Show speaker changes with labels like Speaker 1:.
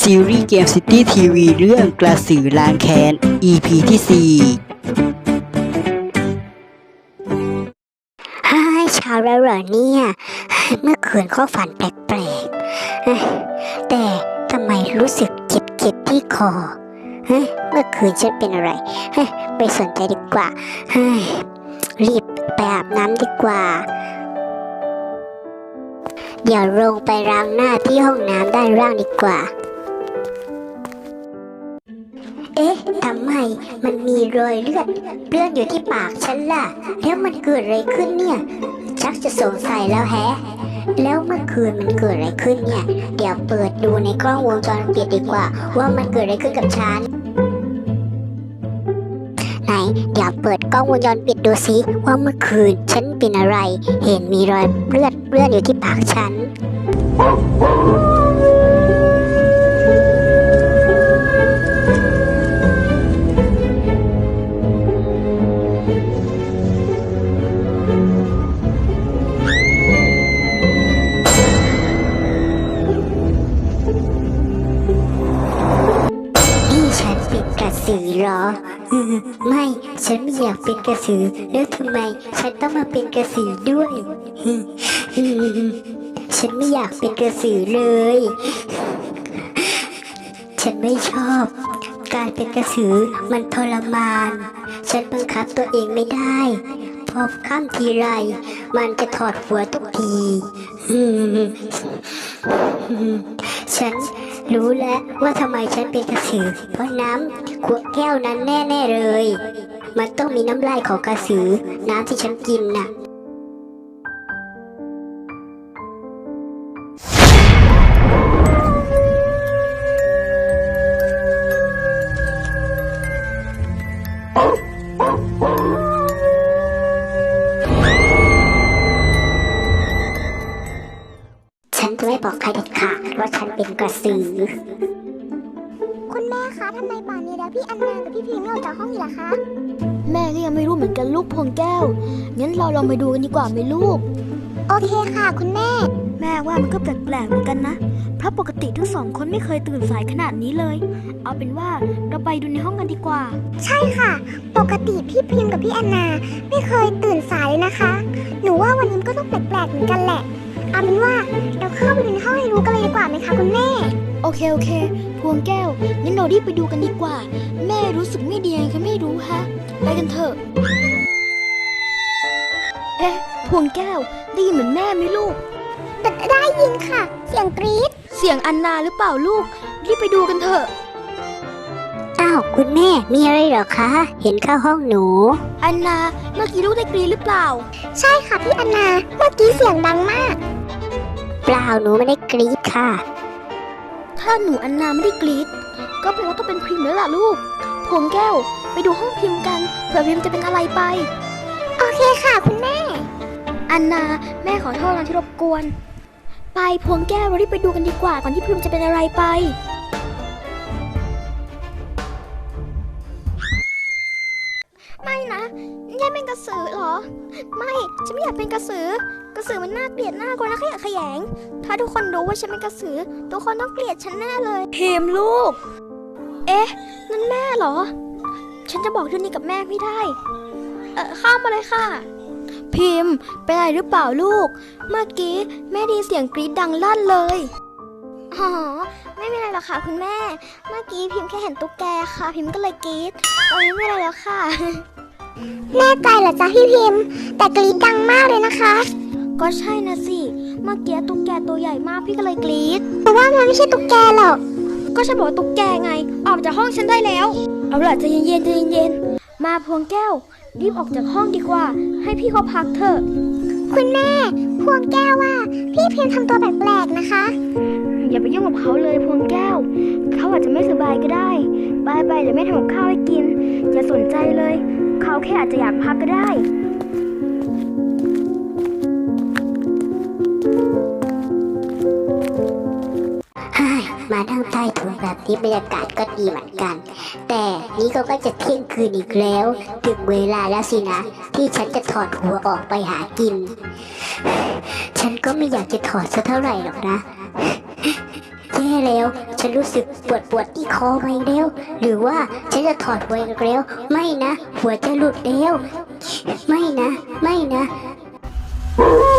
Speaker 1: ซีรีส์เกมซิตี้ทีวีเรื่องกระสือล้างแค้น EP ที่
Speaker 2: เช้าแล้วเหรอเนี่ยเมื่อคืนก็ฝันแปลกๆแต่ทำไมรู้สึกเจ็บที่คอเมื่อคืนฉันเป็นอะไรไปสนใจดีกว่ารีบไปอาบน้ำดีกว่าเดี๋ยวลงไปล้างหน้าที่ห้องน้ำด้านล่างดีกว่าทำไมมันมีรอยเลือดอยู่ที่ปากฉันล่ะแล้วมันเกิดอะไรขึ้นเนี่ยชักจะสงสัยแล้วแฮะแล้วเมื่อคืนมันเกิดอะไรขึ้นเนี่ยเดี๋ยวเปิดดูในกล้องวงจรปิดดีกว่าว่ามันเกิดอะไรขึ้นกับฉันไหนเดี๋ยวเปิดกล้องวงจรปิดดูสิว่าเมื่อคืนฉันเป็นอะไรเห็นมีรอยเลือดอยู่ที่ปากฉันกระสือเหรอไม่ฉันไม่อยากเป็นกระสือแล้วทำไมฉันต้องมาเป็นกระสือด้วยฉันไม่อยากเป็นกระสือเลยฉันไม่ชอบการเป็นกระสือมันทรมานฉันบังคับตัวเองไม่ได้พอข้ามทีไรมันจะถอดหัวทุกทีฉันรู้แล้วว่าทำไมฉันเป็นกระสือเพราะน้ำขวดแก้วนั้นแน่ๆเลยมันต้องมีน้ำลายของกระสือน้ำที่ฉันกินน่ะฉันจะไม่บอกใครเด็ดขาดว่าฉันเป็นกระสือ
Speaker 3: คุณแม่คะทำไมป่านนี้แล้วพี่อันนากับพี่พีไม่ออกจากห้องอีกล่ะคะ
Speaker 4: แม่ก็ยังไม่รู้เหมือนกันลูกพวงแก้วงั้นเราลองไปดูกันดีกว่าไหมลูก
Speaker 3: โอเคค่ะคุณแม่
Speaker 4: แม่ว่ามันก็แปลกๆเหมือนกันนะเพราะปกติทั้งสองคนไม่เคยตื่นสายขนาดนี้เลยเอาเป็นว่าเราไปดูในห้องกันดีกว่า
Speaker 3: ใช่ค่ะปกติพี่พิมกับพี่อันนาไม่เคยตื่นสายเลยนะคะหนูว่าวันนี้ก็ต้องแปลกๆเหมือนกันแหละเอาเป็นว่าเราเข้าไปดูในห้องให้รู้กันเลยดีกว่าไหมคะคุณแม่
Speaker 4: โอเคพวงแก้วงั้นเรารีบไปดูกันดีกว่าแม่รู้สึกไม่ดีไงก็ไม่รู้ฮะไปกันเถอะพวงแก้วได้ยินเหมือนแม่ไหมลูก
Speaker 3: ได้ยินค่ะเสียงกรี๊ด
Speaker 4: เสียงอันนาหรือเปล่าลูกรีบไปดูกันเถอะ
Speaker 2: อ้าวคุณแม่มีอะไรเหรอคะเห็นเข้าห้องหนู
Speaker 4: อันนาเมื่อกี้ลูกได้กรี๊ดหรือเปล่า
Speaker 3: ใช่ค่ะพี่อันนาเมื่อกี้เสียงดังมาก
Speaker 2: เปล่าหนูไม่ได้กรี๊ดค่ะ
Speaker 4: ถ้าหนูอันนาไม่ได้กรี๊ดก็แปลว่าต้องเป็นพิมพ์แล้วล่ะลูกพวงแก้วไปดูห้องพิมพ์กันเผื่อพิมพ์จะเป็นอะไรไป
Speaker 3: โอเคค่ะคุณแม่
Speaker 4: อันนาแม่ขอโทษนะที่รบกวนไปพวงแก้วเรารีบไปดูกันดีกว่าก่อนที่พิมพ์จะเป็นอะไรไป
Speaker 3: ไม่นะยายเป็นกระสือเหรอไม่ฉันไม่อยากเป็นกระสือมันน่าเกลียดน่ากลัวน่าขยะแขยงถ้าทุกคนรู้ว่าฉันเป็นกระสือทุกคนต้องเกลียดฉันแน่เลย
Speaker 4: พิมพ์ลูกนั่นแม่เหรอฉันจะบอกเรื่องนี้กับแม่ไม่ได้
Speaker 3: เข้ามาเลยค่ะ
Speaker 4: พิมพ์เป็นอะไรหรือเปล่าลูกเมื่อกี้แม่ได้ยินเสียงกรี๊ดดังลั่นเลย
Speaker 3: อ๋อไม่มีอะไรหรอกค่ะคุณแม่เมื่อกี้พิมพ์แค่เห็นตุ๊กแกค่ะพิมพ์ก็เลยกรี๊ดตอนนี้ไม่อะไรแล้วค่ะแน่ใจเหรอจ๊ะพี่พิมพ์แต่กรี๊ดดังมากเลยนะคะ
Speaker 4: ก็ใช่นะสิเมื่อกี้ตุ๊กแกตัวใหญ่มากพี่ก็เลยกรี๊ด
Speaker 3: แต่ว่ามันไม่ใช่ตุ๊กแกหรอก
Speaker 4: ก็ฉันบอกตุ๊กแกไงออกจากห้องฉันได้แล้วเอาล่ะใจเย็นมาพวงแก้วรีบออกจากห้องดีกว่าให้พี่เขาพักเถอะ
Speaker 3: คุณแม่พวงแก้วว่าพี่พิมพ์ทำตัวแปลกๆนะคะ
Speaker 4: อย่าไปยุ่งกับเขาเลยพวงแก้วเขาอาจจะไม่สบายก็ได้ไปเดี๋ยวแม่ทำกับข้าวให้กินอย่าสนใจเลยเขาแค่อาจจะอยากพักก็ได้
Speaker 2: มานั่งใต้ถุนแบบนี้บรรยากาศก็ดีเหมือนกันแต่นี่ก็จะเที่ยงคืนอีกแล้วถึงเวลาแล้วสินะที่ฉันจะถอดหัวออกไปหากินฉันก็ไม่อยากจะถอดสักเท่าไหร่หรอกนะแย่แล้วฉันรู้สึกปวดที่คอมาอีกแล้วหรือว่าฉันจะถอดหัวอีกแล้วไม่นะหัวจะหลุดแล้วไม่นะ